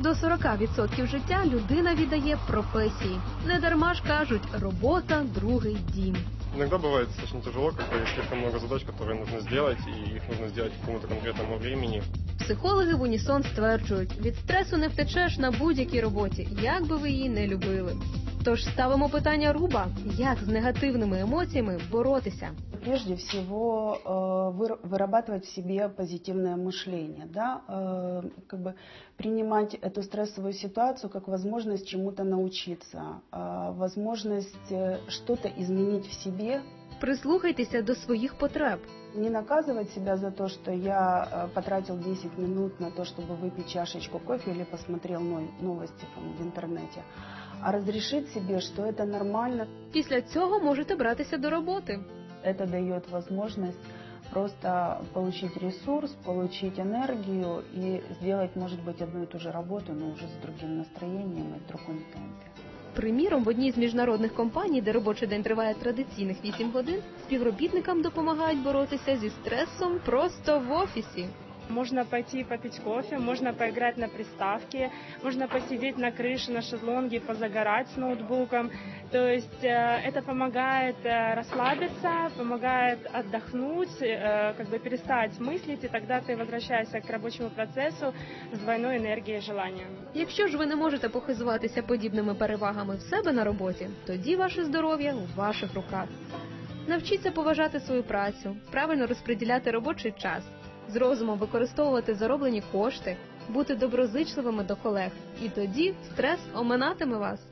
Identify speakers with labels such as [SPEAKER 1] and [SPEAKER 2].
[SPEAKER 1] До 40% життя людина віддає професії. Недарма ж кажуть, робота – другий дім.
[SPEAKER 2] Иногда бывает достаточно тяжело, когда есть слишком много задач, которые нужно сделать, и их нужно сделать к какому-то конкретному времени.
[SPEAKER 1] Психологи в унісон стверджують, від стресу не втечеш на будь-якій роботі, як би ви її не любили. Тож ставимо питання Руба, як з негативними емоціями боротися.
[SPEAKER 3] Прежде всего вырабатывать в себе позитивное мышление, да? Принимать эту стрессовую ситуацию как возможность чему-то научиться, возможность что-то изменить в себе.
[SPEAKER 1] Прислухайтеся до своїх потреб.
[SPEAKER 3] Не наказывать себя за то, что я потратил 10 минут на то, чтобы выпить чашечку кофе или посмотрел новости в интернете, а разрешить себе, что это нормально.
[SPEAKER 1] Після цього можете братися до роботи.
[SPEAKER 3] Это дает возможность просто получить ресурс, получить энергию и сделать, может быть, одну и ту же работу, но уже с другим настроением и в другом темпе.
[SPEAKER 1] Приміром, в одній з міжнародних компаній, де робочий день триває традиційних 8 годин, співробітникам допомагають боротися зі стресом просто в офісі.
[SPEAKER 4] Можно пойти попить кофе, можно поиграть на приставке, можно посидеть на крыше, на шезлонге, позагорать с ноутбуком. То есть это помогает расслабиться, помогает отдохнуть, перестать мыслить, и тогда ты возвращаешься к рабочему процессу с двойной энергией и желанием.
[SPEAKER 1] Якщо ж ви не можете похизуватися подібними перевагами в себе на роботі, тоді ваше здоров'я у ваших руках. Навчіться поважати свою працю, правильно розподіляти робочий час, з розумом використовувати зароблені кошти, бути доброзичливими до колег. І тоді стрес оминатиме вас.